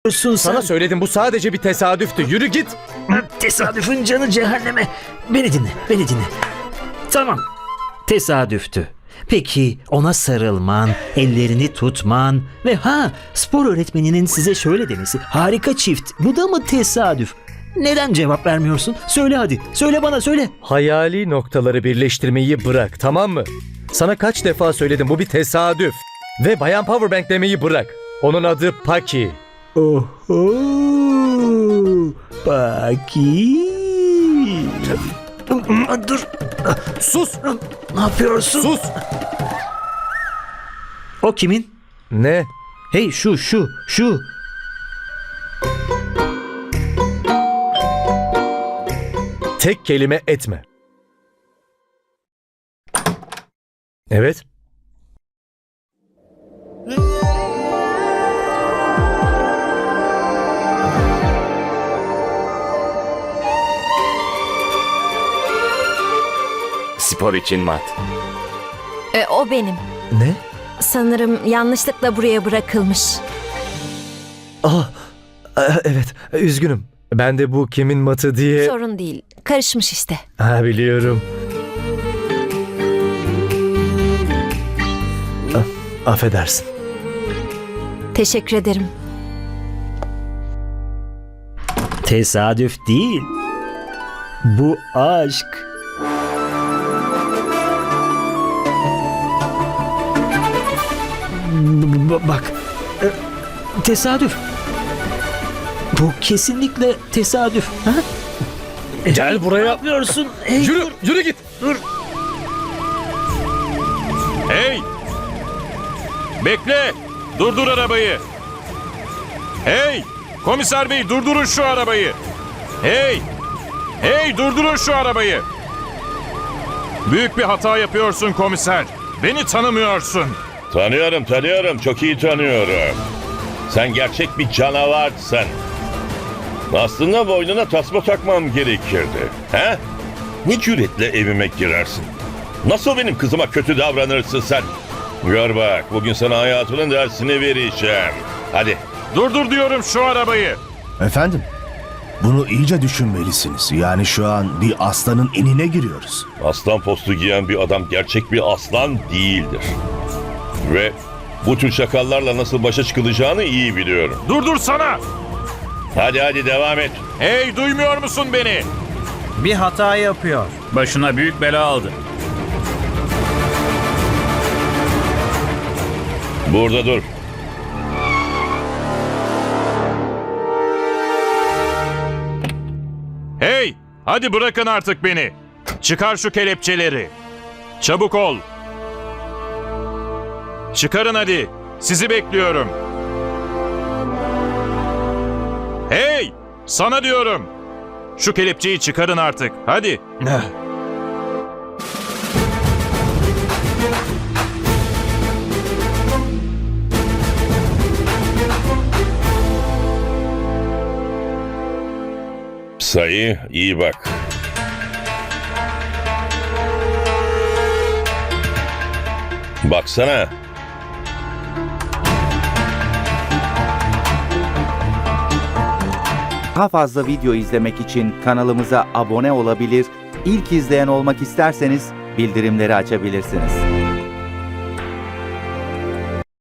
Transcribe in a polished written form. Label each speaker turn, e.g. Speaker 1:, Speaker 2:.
Speaker 1: sen?
Speaker 2: Sana söyledim, bu sadece bir tesadüftü. Yürü git.
Speaker 1: Tesadüfün canı cehenneme. Beni dinle. Tamam, tesadüftü. Peki ona sarılman, ellerini tutman ve spor öğretmeninin size şöyle demesi, harika çift. Bu da mı tesadüf? Neden cevap vermiyorsun? Söyle hadi. Söyle bana, söyle.
Speaker 2: Hayali noktaları birleştirmeyi bırak, tamam mı? Sana kaç defa söyledim, bu bir tesadüf. Ve Bayan Powerbank demeyi bırak. Onun adı Paki.
Speaker 1: Oho! Paki! Dur.
Speaker 2: Sus!
Speaker 1: Ne yapıyorsun?
Speaker 2: Sus!
Speaker 1: O kimin?
Speaker 2: Ne?
Speaker 1: Hey şu.
Speaker 2: Tek kelime etme. Evet.
Speaker 3: Spor için mat.
Speaker 4: O benim.
Speaker 2: Ne?
Speaker 4: Sanırım yanlışlıkla buraya bırakılmış.
Speaker 2: Evet, üzgünüm. Ben de bu kimin matı diye...
Speaker 4: Sorun değil. Karışmış işte.
Speaker 2: Biliyorum. Affedersin.
Speaker 4: Teşekkür ederim.
Speaker 1: Tesadüf değil. Bu aşk. Bak. Tesadüf. Bu kesinlikle tesadüf. Ha?
Speaker 2: Gel buraya.
Speaker 1: Ne yapıyorsun? Hey,
Speaker 2: Yürü git.
Speaker 3: Hey! Bekle! Durdur arabayı! Hey! Komiser bey, durdurun şu arabayı! Hey! Hey, durdurun şu arabayı! Büyük bir hata yapıyorsun komiser. Beni tanımıyorsun.
Speaker 5: Tanıyorum. Çok iyi tanıyorum. Sen gerçek bir canavarsın. Aslında boynuna tasma takmam gerekirdi. He? Ne cüretle evime girersin? Nasıl benim kızıma kötü davranırsın sen? Gör bak, bugün sana hayatının dersini vereceğim. Hadi.
Speaker 3: Durdur diyorum şu arabayı.
Speaker 6: Efendim, bunu iyice düşünmelisiniz. Yani şu an bir aslanın inine giriyoruz.
Speaker 5: Aslan postu giyen bir adam gerçek bir aslan değildir. Ve bu tür çakallarla nasıl başa çıkılacağını iyi biliyorum.
Speaker 3: Durdursana!
Speaker 5: Hadi devam et.
Speaker 3: Hey, duymuyor musun beni?
Speaker 7: Bir hata yapıyor. Başına büyük bela aldı.
Speaker 5: Burada dur.
Speaker 3: Hey! Hadi bırakın artık beni. Çıkar şu kelepçeleri. Çabuk ol. Çıkarın hadi. Sizi bekliyorum. Hey! Sana diyorum. Şu kelepçeyi çıkarın artık. Hadi.
Speaker 5: Sayı, iyi bak. Baksana.
Speaker 8: Daha fazla video izlemek için kanalımıza abone olabilir, ilk izleyen olmak isterseniz bildirimleri açabilirsiniz.